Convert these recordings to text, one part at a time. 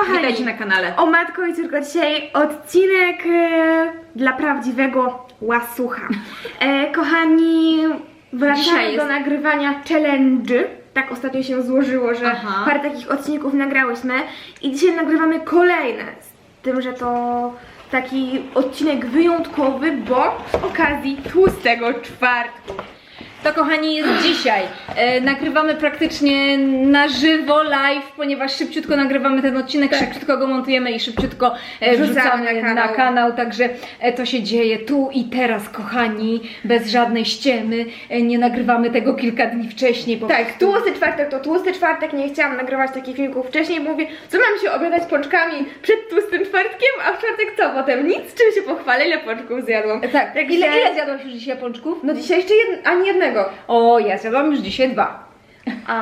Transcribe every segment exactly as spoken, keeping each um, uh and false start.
Kochani, witajcie na kanale. O matko i córko, dzisiaj odcinek e, dla prawdziwego łasucha. E, kochani, wracamy Dzisiaj do jest... nagrywania challenge'y. Tak ostatnio się złożyło, że Aha. parę takich odcinków nagrałyśmy i dzisiaj nagrywamy kolejne. Z tym, że to taki odcinek wyjątkowy, bo z okazji tłustego czwartku. To kochani jest dzisiaj. E, nagrywamy praktycznie na żywo, live, ponieważ szybciutko nagrywamy ten odcinek, tak. szybciutko go montujemy i szybciutko e, Wrzucamy wrzucamy na kanał. na kanał, także e, to się dzieje tu i teraz, kochani, bez żadnej ściemy. E, nie nagrywamy tego kilka dni wcześniej. Po Tak, prostu. tłusty czwartek to tłusty czwartek, nie chciałam nagrywać takich filmików wcześniej, bo mówię, co mam się obiadać pączkami przed tłustym czwartkiem, a w czwartek co potem? Nic, czym się pochwalę, ile pączków zjadłam. E, tak, Także- ile, ile zjadłaś już dzisiaj pączków? No dzisiaj jeszcze jed... ani jednego. O, ja zjadłam już dzisiaj dwa. A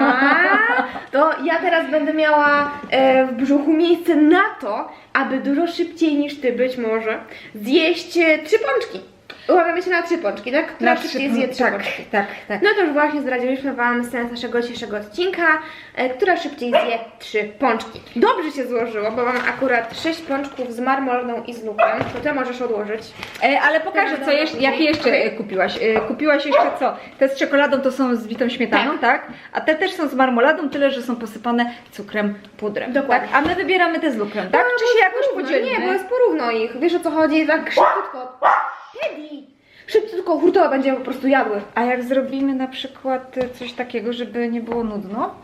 to ja teraz będę miała e, w brzuchu miejsce na to, aby dużo szybciej niż ty być może zjeść e, trzy pączki. Umawiamy się na trzy pączki, tak? Która szybciej zje trzy tak, pączki. tak, tak. No to już właśnie zdradziliśmy wam sens naszego dzisiejszego odcinka, e, która szybciej zje trzy pączki. Dobrze się złożyło, bo mam akurat sześć pączków z marmoladą i z lukrem, to ty możesz odłożyć. E, ale pokażę, co jeszcze, jakie jeszcze Okay. e, kupiłaś. E, kupiłaś jeszcze co? Te z czekoladą to są z bitą śmietaną, tak? tak? A te też są z marmoladą, tyle że są posypane cukrem, pudrem. Dokładnie. Tak? A my wybieramy te z lukrem, tak? No, Czy bo się jest jakoś porówno. podzielimy? Nie, bo jest porówno ich. Wiesz o co chodzi? Tak szybciutko. Teddy! Szybciutko hurtowo będziemy po prostu jadły. A jak zrobimy na przykład e, coś takiego, żeby nie było nudno?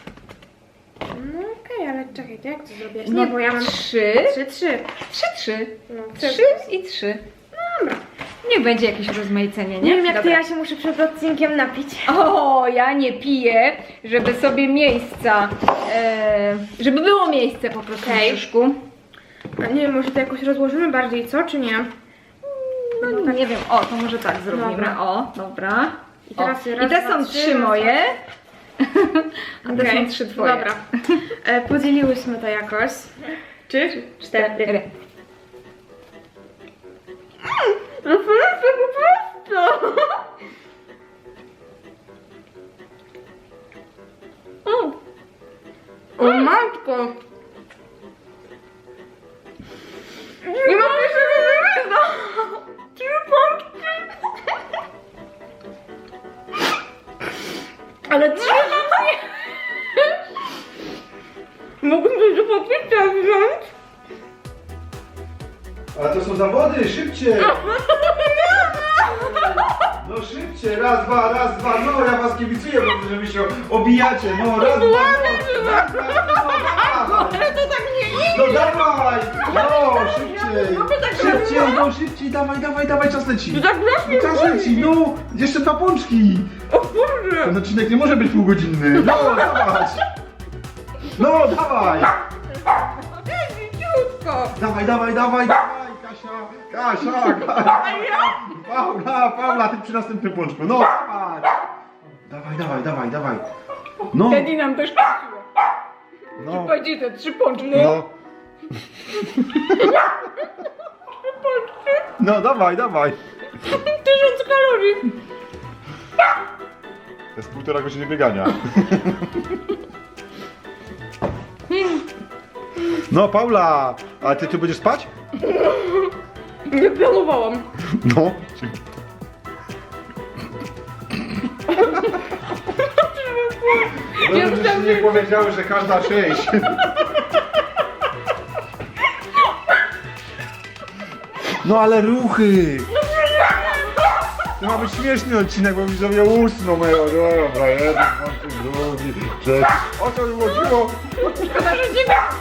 No okej, ale czekaj, to jak to zrobię? No, Nie, bo ja mam trzy, trzy, trzy. trzy, trzy. No, Trzy i trzy. Dobra. Niech będzie jakieś rozmaicenie, nie? Nie wiem jak to Dobra. ja się muszę przed odcinkiem napić. O, ja nie piję, żeby sobie miejsca, e, żeby było miejsce po prostu Okej. w brzuszku. A nie wiem, może to jakoś rozłożymy bardziej, co? Czy nie? No nie wiem, o, to może tak zrobimy. Dobra. O, dobra. I teraz o. raz, I te dwa, są trzy, trzy raz, moje, a te Okej, są trzy twoje. Dobra. E, podzieliłyśmy to jakoś. Trzy, cztery. Referencja po prostu! O, O matko! Nie mam pierwszego wymysłu! Trzy pączki! Ale trzy pączki! Mógłbym coś do popicia wziąć? Ale to są zawody, szybciej! No szybciej, raz, dwa, raz, dwa, no ja was kibicuję, bo że wy się obijacie, no raz, dwa, no, raz, dwa, no dawaj! Ale to tak nie idzie! No dawaj! No szybciej! Szybciej, no szybciej, dawaj, dawaj, dawaj, czas leci! Tak właśnie Czas leci, no! Jeszcze dwa pączki! O Boże! Ten odcinek nie może być półgodzinny, no dawać! No dawaj! Ciutko! Dawaj, dawaj, dawaj, dawaj, Kasia, Kasia, Kasia, Paula, Paula, ty przy następnym pączku, no dawaj, dawaj, dawaj, dawaj, dawaj, no, Teddy nam też kupiło. no, Powiedzieć te trzy pączki. no, no dawaj, dawaj, Tysiąc kalorii. to jest półtora godziny biegania. No Paula, a ty tu będziesz spać? Nie planowałam. No. No, żebyście nie powiedziały, że każda sześć. No ale ruchy! To ma być śmieszny odcinek, bo widzowie usną moje. Dobra, jeden, drugi, trzeci. O co mi chodziło? Szkoda, że nie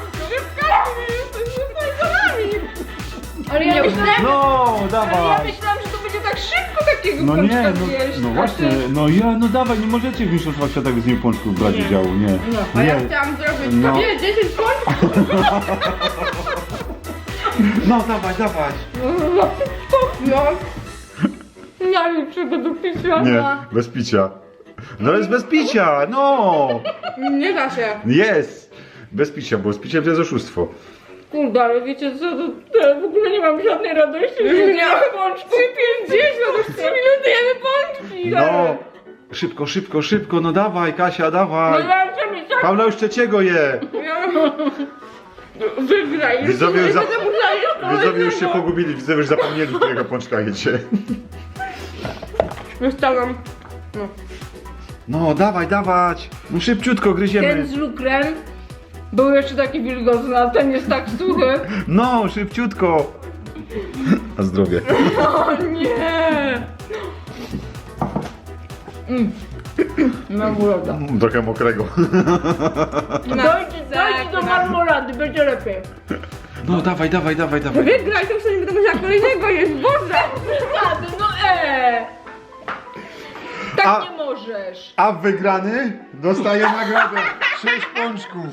Ale ja myślałam, No, ale ja dawaj! myślałam, że to będzie tak szybko takiego No pączka nie, no, zjeść. no A właśnie, ty- no ja, no dawaj, nie możecie w mistrzostwach świata z niej pączków brać udziału, nie. A ja Nie, chciałam zrobić No. sobie dziesięć pączków. No dawaj, dawaj! No. Ja niczego do picia. Nie, bez picia. No jest bez picia, no! Nie da się. Jest! Bez picia, bo z piciem to jest oszustwo. Kurde, ale wiecie co, to, to w ogóle nie mam żadnej radości, że Nie. nie mam pączki. pięćdziesiąt, już trzy minuty jemy pączki. No! Szybko, szybko, szybko, no dawaj, Kasia, No dawaj! ja chcę mi tak. Paula już trzeciego je! Wygraj. Widzowie już, za... Nie będę musiała jeść Widzowie już się kolejnego. pogubili, widzowie już zapomnieli, którego pączka jecie. Wystawiam. No. No, dawaj, dawać. No szybciutko gryziemy. Ten z lukrem był jeszcze taki wilgotny, a ten jest tak suchy. No, szybciutko. Na zdrowie. O nie! Mm. Marmolada. Trochę mokrego. Dojdzie, dojdzie do marmolady, będzie lepiej. No, dawaj, dawaj, dawaj, dawaj. Wygraj, to już nie będę musiała kolejnego jeść, Boże! Przesady, no e! Tak A- nie możesz. A wygrany dostaje nagrodę. Sześć pączków.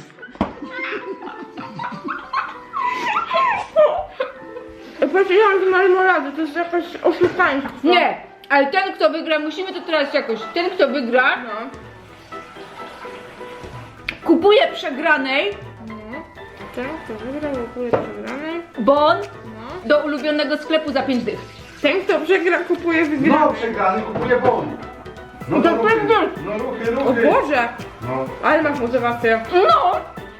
Patrzyłam z marmolady, to jest jakaś oszukaństwo. Nie, ale ten kto wygra, musimy to teraz jakoś, ten kto wygra, No. kupuje przegranej Ten, kto wygrał, kupuje przegranej. bon No. do ulubionego sklepu za pięć dych. Ten, kto przegra, kupuje wygraną. No, przegrany kupuje bon. No To pewnie. No ruchy, O ruchy. Boże! No. Ale masz motywację. No!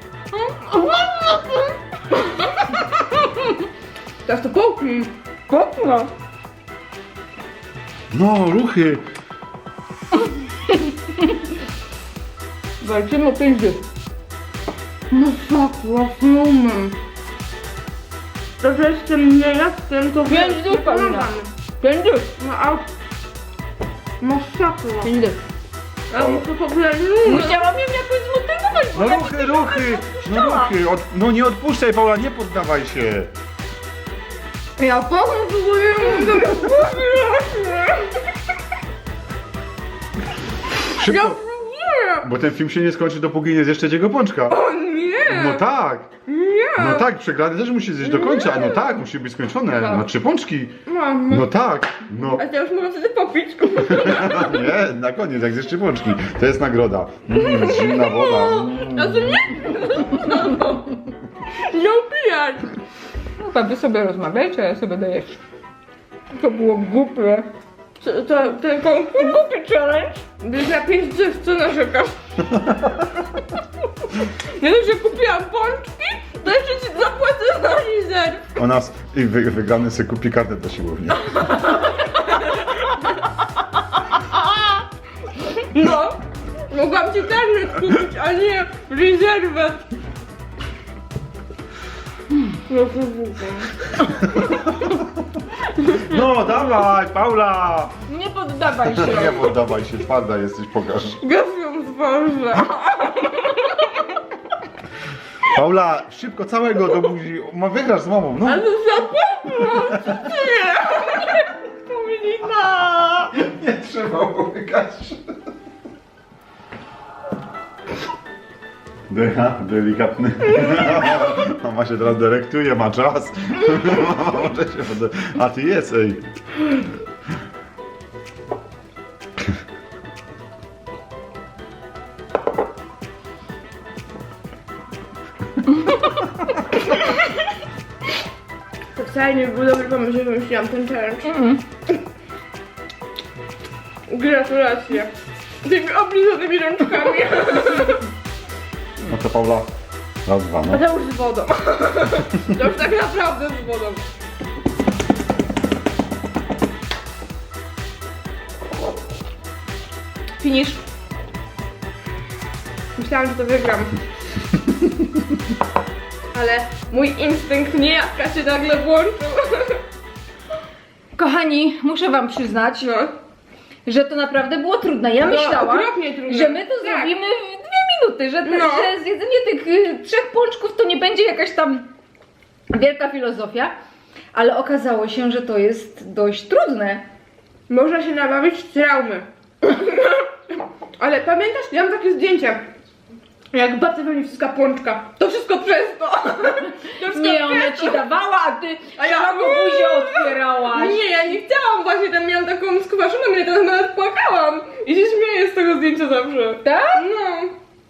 Teraz to połknij. Kopno. No, ruchy. Walczymy o pięć dych. No sakła, snowman. To, że jestem nie jestem, to Pięć dych, Paulina. Pięć dych. No a... Masakra. Pięć dych. A muszę w ogóle... Musiałam ją jakoś zmotywować, bo No ja ruchy, ruchy. No ruchy. Od... No nie odpuszczaj, Paula, nie poddawaj się. Ja powiem, próbuję to Szybko. Nie! Bo ten film się nie skończy, dopóki nie zjesz trzeciego pączka. O nie! No tak. Nie! No tak, przegrany też musi zjeść do końca. No tak, musi być skończone. No trzy pączki. Mam. No tak. No. A teraz mogę wtedy popić. Nie, na koniec, jak zjesz trzy pączki. To jest nagroda. Mm, zimna woda. Mm. A to nie? Nie upijać! Chyba wy sobie rozmawiajcie, a ja sobie daję. To było głupie. To, to, tylko głupi challenge. Gdy za pięć dych, co narzekasz? Nie dość, że kupiłam pączki, to jeszcze ci zapłacę za lizer. O nas i wy, wygrany sobie kupi kartę do siłowni. No, mogłam ci karnet kupić, a nie rezerwę. No to No dawaj, Paula! Nie poddawaj się. Nie poddawaj się, twarda jesteś, pokaż. Gafią z wąża. Paula, szybko całego do buzi. Ma wygrasz z mamą, no. Ale za pewno, co ty? Paulina! Nie trzeba łykać. Decha, delikatny. Mama się teraz dyrektuje, ma czas. Może się pode... A ty jest, ej. To wcale nie był dobry pomysł, że wymyśliłam ten challenge. Mm. Gratulacje. Tymi oblizanymi rączkami. No to Paula. Raz, dwa, A no. to już z wodą. To już tak naprawdę z wodą. Finish. Myślałam, że to wygram. Ale mój instynkt niejaka się nagle włączył. Kochani, muszę wam przyznać, No. że to naprawdę było trudne. Ja No, myślałam, okropnie trudne. że my to Tak. zrobimy w dwie minuty, że, te, No. że zjedzenie tych y, trzech pączków to nie będzie jakaś tam wielka filozofia, ale okazało się, że to jest dość trudne. Można się nabawić z traumy. Ale pamiętasz, ja mam takie zdjęcie. Jak babcia we mnie wciska pączka. To wszystko przez to. To wszystko Nie, ona przez ci to. dawała, a ty A ja- szeroko buzię otwierałaś. Nie, ja nie chciałam właśnie, tam miałam taką skwaszoną mnie, teraz nawet płakałam. I się śmieję z tego zdjęcia zawsze. Tak? No.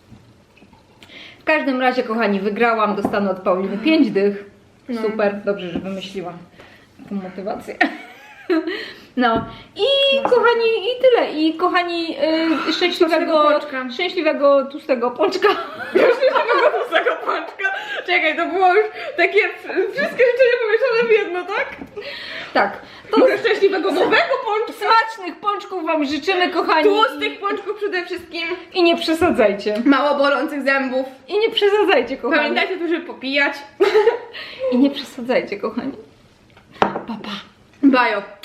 W każdym razie, kochani, wygrałam, dostanę od Pauliny pięć dych. No. Super, dobrze, że wymyśliłam taką motywację. No i kochani, i tyle. I kochani, yy, szczęśliwego, Tłustego pączka. szczęśliwego tłustego pączka. Już nie tego pączka. Czy Czekaj, to było już takie wszystkie życzenia pomieszane w jedno, tak? Tak. To Może szczęśliwego nowego pączka. smacznych pączków wam życzymy, kochani. Tłustych pączków przede wszystkim. I nie przesadzajcie. Mało bolących zębów. I nie przesadzajcie, kochani. Pamiętajcie tu, żeby popijać. I nie przesadzajcie, kochani. Pa, pa. Bajo.